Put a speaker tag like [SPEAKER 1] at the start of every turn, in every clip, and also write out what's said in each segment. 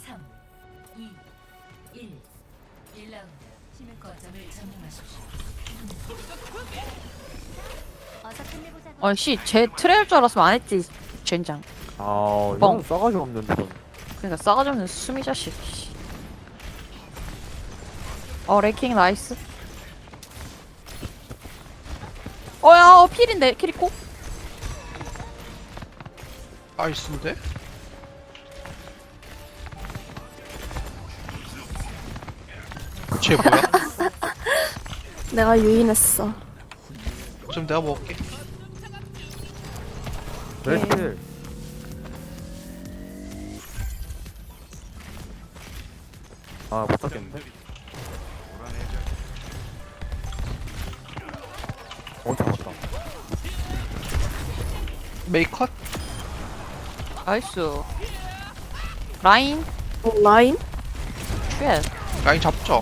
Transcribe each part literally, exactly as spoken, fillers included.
[SPEAKER 1] 삼, 이, 일. 일 라운드. 거점을 점령하십시오. 어서 끝내보자고.
[SPEAKER 2] 아씨 쟤 트레 할 줄 알았으면 안 했지 젠장.
[SPEAKER 3] 아,
[SPEAKER 2] 뻥.
[SPEAKER 3] 이건 싸가지 없는데. 넌.
[SPEAKER 2] 그러니까 싸가지 없는 수미 자식. 씨. 어 레이킹 나이스. 어야 어 필인데 키리코?
[SPEAKER 4] 나이스인데? 쟤 뭐야?
[SPEAKER 5] 내가 유인했어.
[SPEAKER 4] 좀 내가 먹을게.
[SPEAKER 3] 레스필. 아, 못 잡겠는데? 어, 잡았다.
[SPEAKER 4] 메이컷?
[SPEAKER 2] 나이스. 라인
[SPEAKER 5] 어, 라인?
[SPEAKER 2] 쉣.
[SPEAKER 4] 라인 잡죠.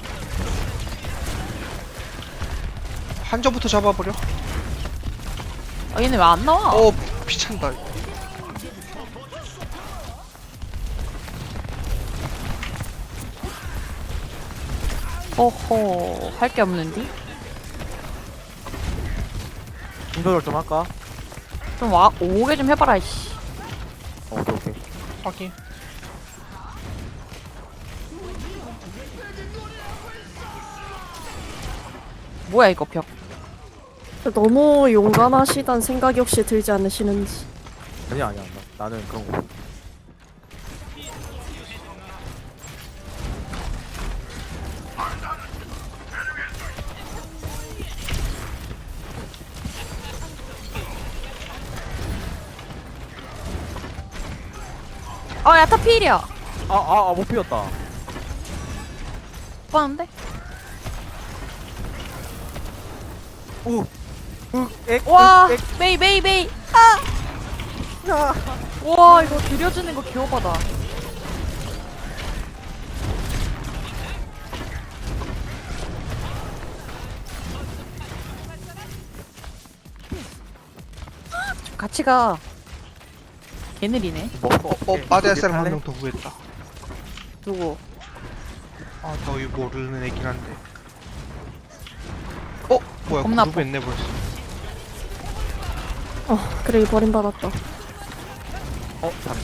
[SPEAKER 4] 한점부터 잡아버려.
[SPEAKER 2] 아 얘네 왜 안 나와?
[SPEAKER 4] 어 피찬다.
[SPEAKER 2] 호호 할 게 없는데?
[SPEAKER 3] 힘조절 좀 할까?
[SPEAKER 2] 좀 와 오게 좀 해봐라 이씨.
[SPEAKER 3] 어, 오케이, 오케이.
[SPEAKER 4] 확인.
[SPEAKER 2] 뭐야 이거 벽.
[SPEAKER 5] 너무 용감하시단 생각이 혹시 들지 않으시는지.
[SPEAKER 3] 아니야, 아니야. 나, 나는 그런 거.
[SPEAKER 2] 아 야타 필이야.
[SPEAKER 3] 아, 아, 아, 못 피웠다.
[SPEAKER 2] 빠는데?
[SPEAKER 3] 우, 우, 액,
[SPEAKER 2] 와
[SPEAKER 3] 액,
[SPEAKER 2] 메이 메이 메이. 아. 와 이거 들여주는 거 개오바다. 좀 같이 가. 개느리네.
[SPEAKER 3] 뭐,
[SPEAKER 4] 어, 어 빠져야 사람 한 명 더 구했다.
[SPEAKER 2] 누구?
[SPEAKER 4] 아 너희 모르는 애긴 한데. 어 뭐야?
[SPEAKER 2] 겁나
[SPEAKER 4] 그룹 했네 벌써.
[SPEAKER 5] 어, 그래, 버림받았다.
[SPEAKER 3] 어, 잔다.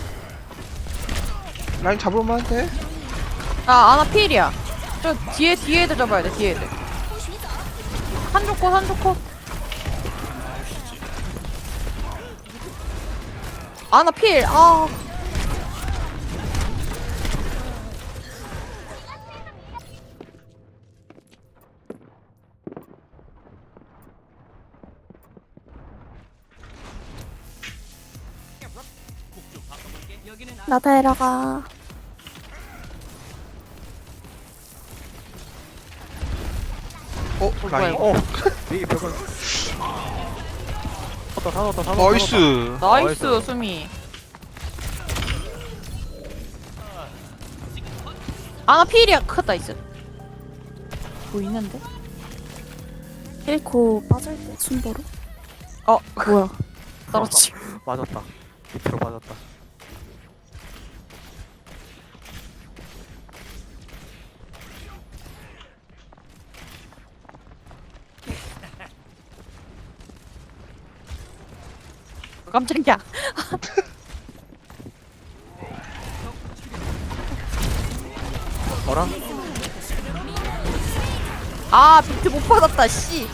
[SPEAKER 4] 라인 잡을만한데?
[SPEAKER 2] 아 아나 필이야. 저 뒤에 뒤에 애들 잡아야 돼 뒤에 애들. 한쪽 컷 한쪽 컷. 아나 필. 아.
[SPEAKER 5] 나 데려가.
[SPEAKER 4] 어 라인.
[SPEAKER 2] 이거?
[SPEAKER 3] 어, 이 벽을. 다 넣었다, 다 넣었다.
[SPEAKER 4] 나이스.
[SPEAKER 2] 나이스
[SPEAKER 3] 나이스.
[SPEAKER 2] 수미. 아나 필이야. 크다 있어. 보이는데?
[SPEAKER 5] 힐코 빠질 때 순보로?
[SPEAKER 2] 어
[SPEAKER 5] 뭐야?
[SPEAKER 2] 떨어지.
[SPEAKER 3] 맞았다. 밑으로 맞았다.
[SPEAKER 2] 깜짝이야.
[SPEAKER 3] 너랑?
[SPEAKER 2] 아 비트 못 받았다 씨.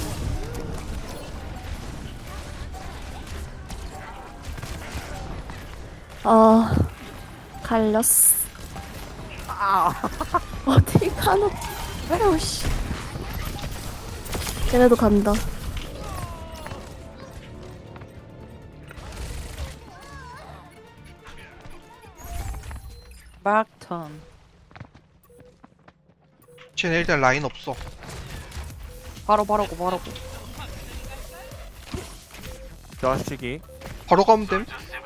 [SPEAKER 5] 아, 갈렸어. 아, 어디 가노?
[SPEAKER 2] 아유 씨.
[SPEAKER 5] 걔네도 간다.
[SPEAKER 2] 막턴.
[SPEAKER 4] 쟤네 일단 라인 없어.
[SPEAKER 2] 바로 바로고 바로고.
[SPEAKER 3] 자식이.
[SPEAKER 4] 바로 가면 됨.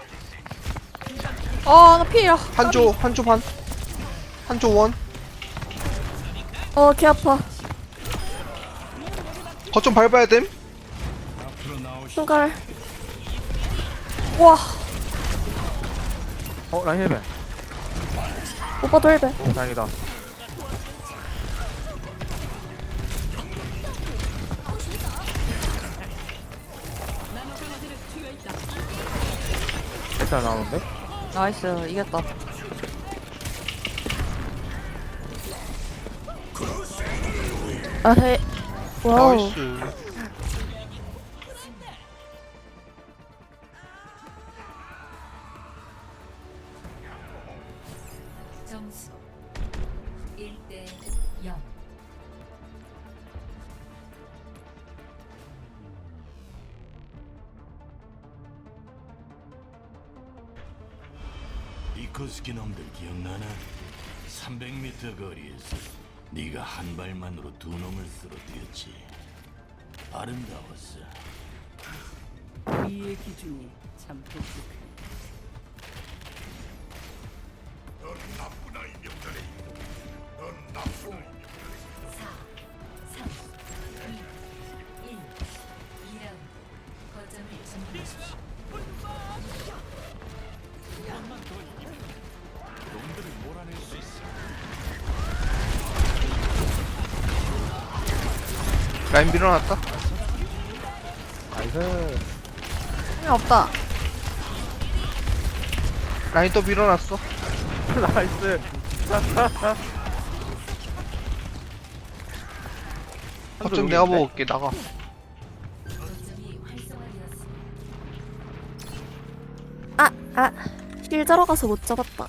[SPEAKER 2] 아나 필이야.
[SPEAKER 4] 한조 한조 반. 한조 원.
[SPEAKER 5] 어, 개 아파.
[SPEAKER 4] 거점 밟아야 됨.
[SPEAKER 5] 순갈.
[SPEAKER 2] 와.
[SPEAKER 3] 어, 라인 헬벤.
[SPEAKER 5] 오빠도 일 배.
[SPEAKER 3] 오, 다행이다. 일단 나오는데?
[SPEAKER 2] 나이스 이겼다.
[SPEAKER 5] 아, 해. 와우.
[SPEAKER 4] 나이스.
[SPEAKER 1] 점수 일 대 영.
[SPEAKER 6] 이코스키 놈들 기억나나? 삼백 미터 거리에서 네가 한 발만으로 두 놈을 쓰러뜨렸지. 아름다웠어.
[SPEAKER 7] 이의 기준이 참 독특해.
[SPEAKER 1] 삼, 이, 일. 이 라운드. 거점을 점령하십시오.
[SPEAKER 4] 라인 밀어놨다.
[SPEAKER 3] 나이스.
[SPEAKER 2] 힘이 없다.
[SPEAKER 4] 라인 또 밀어놨어.
[SPEAKER 3] 나이스.
[SPEAKER 4] 거점 내가 보고 올게. 나가.
[SPEAKER 1] 거점이 활성화되었습니다.
[SPEAKER 5] 아, 아. 힐 들어가서 못 잡았다.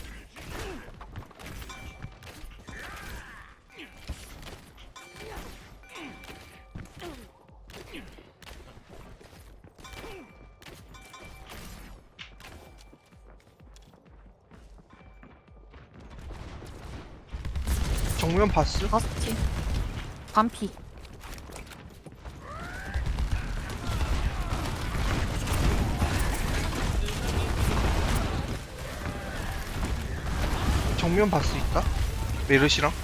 [SPEAKER 4] 정면 봤어?
[SPEAKER 2] 바스티. 반피.
[SPEAKER 4] 정면 봤어 있다? 메르시랑?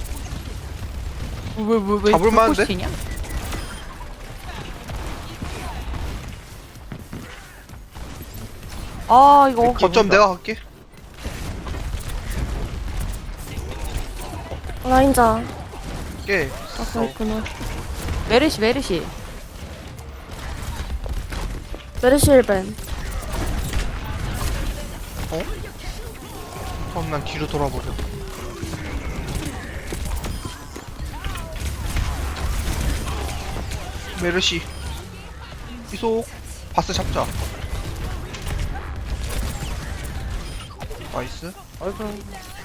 [SPEAKER 2] 왜왜왜
[SPEAKER 4] 잡을 만한데?
[SPEAKER 2] 냐 아 이거
[SPEAKER 4] 거점 내가 갈게.
[SPEAKER 5] 라인자.
[SPEAKER 4] 깨.
[SPEAKER 5] 아, 그렇구나.
[SPEAKER 2] 메르시 메르시.
[SPEAKER 5] 메르시 일 벤.
[SPEAKER 4] 그럼 난 뒤로 돌아버려. 메르시. 이속. 바스 잡자. 나이스.
[SPEAKER 3] 아이고.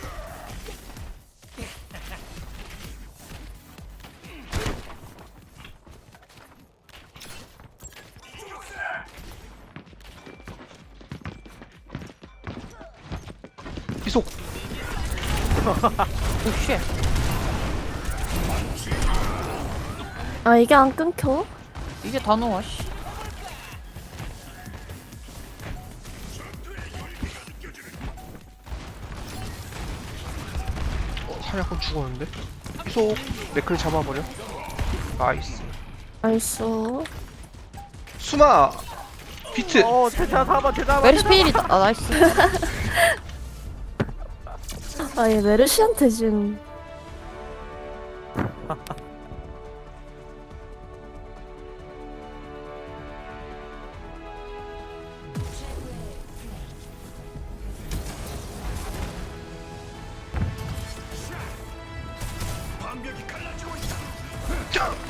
[SPEAKER 4] 이속.
[SPEAKER 2] 오쉣.
[SPEAKER 5] 아, 이게 안 끊겨?
[SPEAKER 2] 이게 다 녹아 씨.
[SPEAKER 4] 어, 사냥꾼 죽었는데? 이속. 맥클 잡아버려. 나이스.
[SPEAKER 5] 나이스.
[SPEAKER 4] 수마. 비트.
[SPEAKER 3] 어, 제자 잡아, 제자 잡아.
[SPEAKER 2] 메르시 필이다. 아 나이스.
[SPEAKER 5] 아, 얘 메르시한테 지금.
[SPEAKER 6] 방벽이 갈라지고 있다.